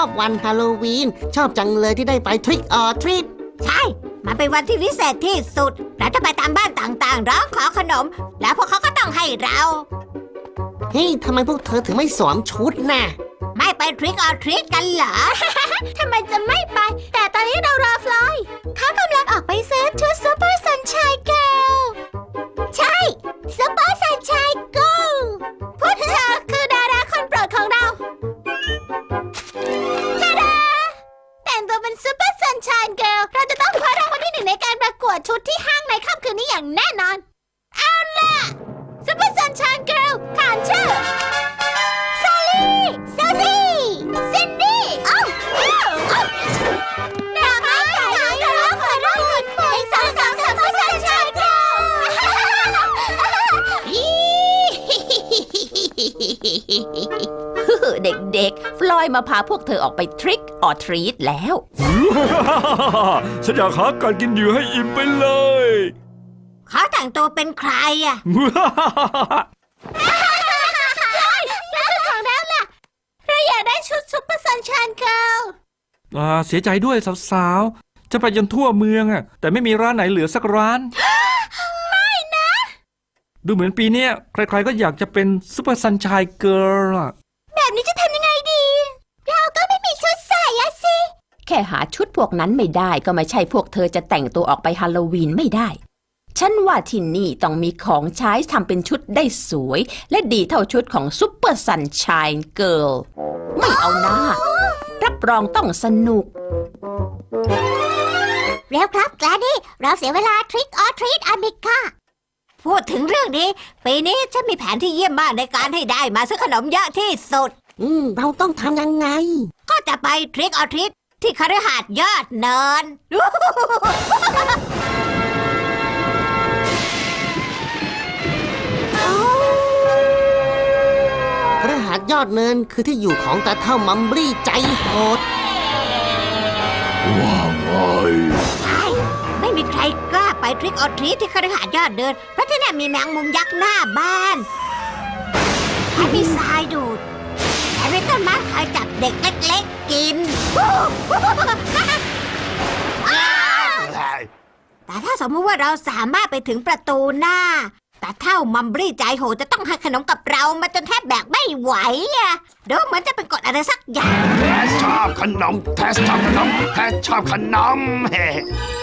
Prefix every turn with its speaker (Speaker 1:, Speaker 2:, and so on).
Speaker 1: อบวันฮาโลวีนชอบจังเลยที่ได้ไปทริกออทรีต
Speaker 2: ใช่มันเป็นวันที่พิเศษที่สุดเราจะไปตามบ้านต่างๆร้องขอขนมแล้วพวกเขาก็ต้องให้เรา
Speaker 1: เฮ้ยทำไมพวกเธอถึงไม่สวมชุดน่ะ
Speaker 2: ไม่ไปทริกออทรีตกันเหรอ ทำไมจะไม่ไปแต่ตอนนี้เรารอฟลอยเขากำลังออกไปซื้อชุดซูเปอร์ซันชัยเกิลใช่ซูเปอร์ซันชัยเกิลพวกเธอคือดาราคนโปรดของเราทาดาแต่งตัวเป็นซูเปอร์ซันชัยเกิลเราจะต้องคว้ารางวัลที่ 1ในการประกวดชุดที่ห้างในค่ำคืนนี้อย่างแน่นอนเอาล่ะซูเปอร์ซันชัยเกิลขานชื่อซาลี่ซาซี่ซินดี้ดอกไม้สายร้องขอร้องหยุดเพลง2 2 3ซูเปอร์ซันชัยเกิล
Speaker 3: เด็กๆฟลอยมาพาพวกเธอออกไปทริกออทรีตแล้ว
Speaker 4: ฉันอยากหาการกินเหยื่อให้อิ่มไปเลย
Speaker 2: เขาแต่งตัวเป็นใครอ่ะของแล้วล่ะเราอยากได้ชุดซุปเปอร์ซันชัยเกิล
Speaker 4: เสียใจด้วยสาวๆจะไปจนทั่วเมืองอะแต่ไม่มีร้านไหนเหลือสักร้าน
Speaker 2: ไม่นะ
Speaker 4: ดูเหมือนปีนี้ใครๆก็อยากจะเป็นซุปเปอร์ซันชัยเกิร์ลอะ
Speaker 2: แบบนี้จะทำยังไงดีเราก็ไม่มีชุดใส่อะสิ
Speaker 3: แค่หาชุดพวกนั้นไม่ได้ก็ไม่ใช่พวกเธอจะแต่งตัวออกไปฮาโลวีนไม่ได้ฉันว่าที่นี่ต้องมีของใช้ทำเป็นชุดได้สวยและดีเท่าชุดของซุปเปอร์ซันชัยเกิร์ลไม่เอาหน้ารับรองต้องสนุก
Speaker 2: เร็วครับแกลนี่เราเสียเวลาทริกออทรีตอเมริกาพูดถึงเรื่องนี้ปีนี้ฉันมีแผนที่เยี่ยมมากในการให้ได้มาซื้อขนมเยอะที่สุด
Speaker 1: เราต้องทำยังไง
Speaker 2: ก็จะไปทริกออทรีตที่คฤหาสน์ยอดเนิน
Speaker 1: พระหัสยอดเนินคือที่อยู่ของตาเท่ามัมบรี่ใจโหด
Speaker 4: ว่าไง
Speaker 2: ใช่ไม่มีใครกล้าไปทริกออทรีตที่คฤหาสน์ยอดเนินเพราะที่นั่นมีแมงมุมยักษ์หน้าบ้านแถมมีทรายดูดแถมมีต้นไม้คอยจับเด็กเล็กๆกินแต่ถ้าสมมติว่าเราสามารถไปถึงประตูหน้าแต่เท่ามัมบรี่ใจโหดจะต้องให้ขนมกับเรามาจนแทบแบกไม่ไหวอะดูเหมือนจะเป็นกฎอะไรสักอย่าง
Speaker 5: แทชชอบขนมแทชชอบขนมแทชชอบขนมเฮ้